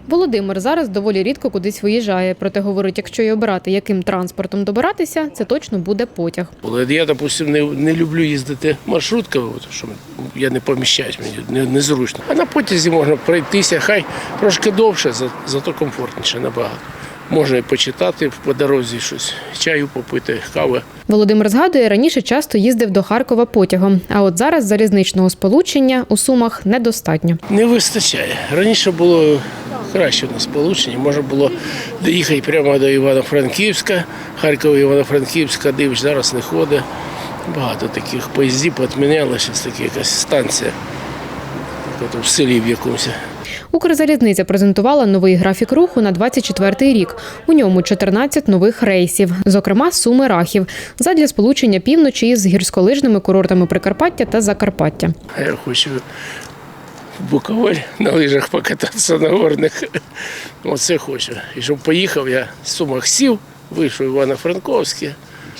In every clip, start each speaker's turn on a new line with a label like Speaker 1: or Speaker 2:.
Speaker 1: Володимир зараз доволі рідко кудись виїжджає. Проте говорить, якщо й обирати, яким транспортом добиратися, це точно буде потяг.
Speaker 2: Я, допустимо, не люблю їздити маршрутками, тому що я не поміщаюсь, мені незручно. А на потязі можна пройтися, хай трошки довше, зато комфортніше набагато. Можна і почитати по дорозі щось, чаю попити, кави.
Speaker 1: Володимир згадує, раніше часто їздив до Харкова потягом, а от зараз залізничного сполучення у Сумах недостатньо.
Speaker 2: Не вистачає. Раніше було краще у нас сполучення, можна було доїхати прямо до Івано-Франківська, Харкова, Івано-Франківська, дивиш, зараз не ходить. Багато таких поїздів підміняли, зараз така якась станція, в селі в якомусь.
Speaker 1: Укрзалізниця презентувала новий графік руху на 24-й рік. У ньому 14 нових рейсів, зокрема Суми-Рахів, задля сполучення півночі із гірськолижними курортами Прикарпаття та Закарпаття.
Speaker 2: Я хочу в Буковель на лижах покататися на горних. Оце хочу. І щоб поїхав, я в Сумах сів, вийшов в Івано-Франковське,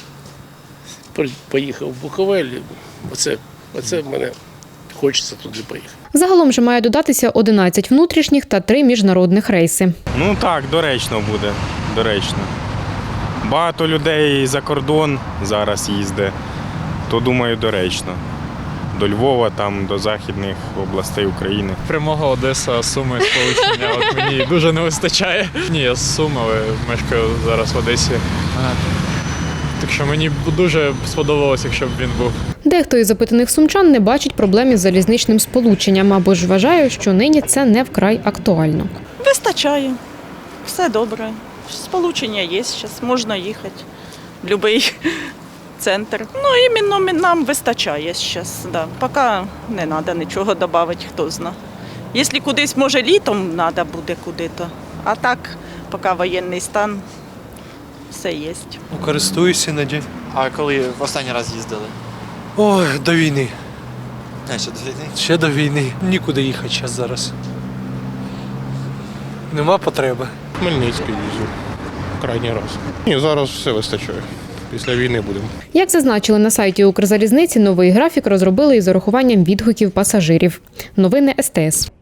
Speaker 2: поїхав в Буковель. Оце мене хочеться туди поїхати.
Speaker 1: Загалом же має додатися 11 внутрішніх та 3 міжнародних рейси.
Speaker 3: Ну так, доречно буде, доречно. Багато людей за кордон зараз їздить, то, думаю, доречно. До Львова, там, до західних областей України.
Speaker 4: Прямого Одеса, Суми, сполучення, от мені дуже не вистачає. Ні, я з Сум, але мешкаю зараз в Одесі. Так що мені дуже сподобалося, якщо б він був.
Speaker 1: Дехто із запитаних сумчан не бачить проблем із залізничним сполученням, або ж вважає, що нині це не вкрай актуально.
Speaker 5: Вистачає, все добре. Сполучення є зараз, можна їхати в будь-який центр. Ну, іменно нам вистачає зараз, да. Поки не треба нічого додати, хто знає. Якщо кудись, може, літом треба буде куди-то, а так, поки воєнний стан, все є.
Speaker 6: Користуюся іноді.
Speaker 7: А коли в останній раз їздили?
Speaker 6: Ой, до війни.
Speaker 7: А, ще до війни?
Speaker 6: Ще до війни. Нікуди їхати зараз. Нема потреби.
Speaker 8: Хмельницький їздив крайній раз. Ні, зараз все вистачає. Після війни будемо.
Speaker 1: Як зазначили на сайті Укрзалізниці, новий графік розробили із урахуванням відгуків пасажирів. Новини СТС.